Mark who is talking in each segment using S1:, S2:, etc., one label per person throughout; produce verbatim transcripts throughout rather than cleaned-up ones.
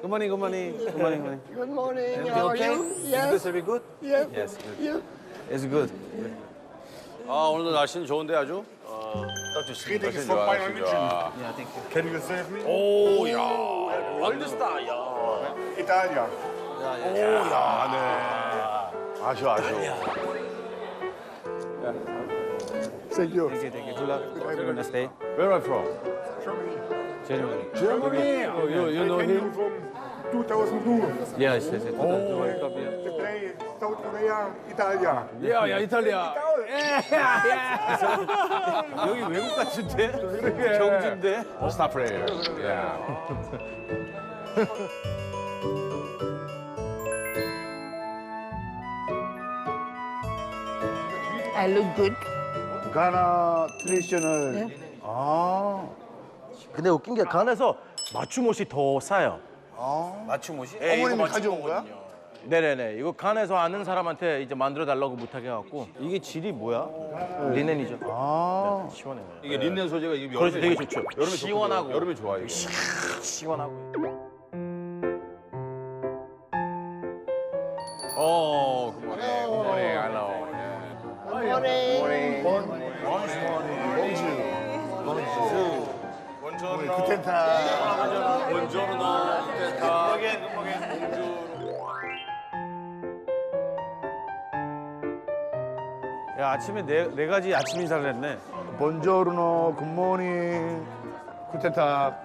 S1: Good morning, good morning, good morning, good morning.
S2: Good morning.
S1: Everything
S2: How are
S1: okay?
S2: you?
S1: Is
S2: Yes.
S1: this very good?
S2: Yes.
S1: Yes, good.
S2: Yes.
S1: It's good.
S3: 아 오늘도 날씨는 좋은데 아주. 어, 딱 좋습니다.
S4: Greetings
S3: 날씨는
S4: from
S3: 좋아,
S4: Bayern
S3: 날씨는
S4: München.
S3: 좋아.
S1: Yeah, thank you.
S4: Can you save me?
S3: 오야 월드스타 야.
S4: Italia.
S3: 오야 네. 아쉬워 아쉬워.
S4: Thank you.
S1: Thank you, thank you. Good luck. Have a nice day.
S3: Where are you from?
S1: Germany.
S4: Germany.
S3: Oh, you you know
S4: I came
S3: him?
S4: from two thousand two.
S1: Yes, yes, yes. Oh.
S4: They play South Korea, Italia.
S3: 야야 이탈리아.
S1: 여기 외국 같은데? 경주인데?
S3: 스타 플레이어. 야.
S2: I look good.
S5: 가나 트레디셔널. 아.
S6: 근데 웃긴 게 간에서 맞춤 옷이 더 싸요.
S3: 맞춤 옷이?
S5: 어머님이 가져온 거야?
S6: 네네네. 이거 간에서 아는 사람한테 이제 만들어 달라고 부탁해 갖고
S1: 이게 질이 뭐야?
S6: 리넨이죠.
S5: 아.
S6: 시원해요.
S3: 이게 린넨 소재가 이게
S6: 그래서
S3: 여름에
S6: 되게 좋죠.
S3: 여름에
S6: 시원하고.
S3: 좋거든요. 여름에 좋아 이게.
S6: 시원하고.
S3: 어, 굿모닝, 굿모닝, 알로.
S2: Morning.
S3: 본전으로.
S5: 구텐타.
S3: 본전으로. 쿠텐타.
S1: 야, 아침에 네, 네 가지 아침 인사를 했네.
S5: 본조르노, 굿모닝, 쿠텐타.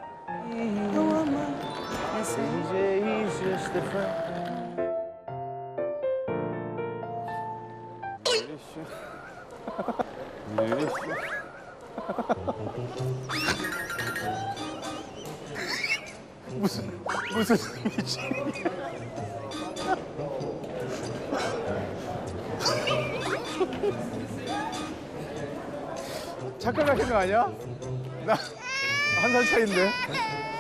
S1: 무슨 일이지? 착각하신 거 아니야? 나 한 살 차인데.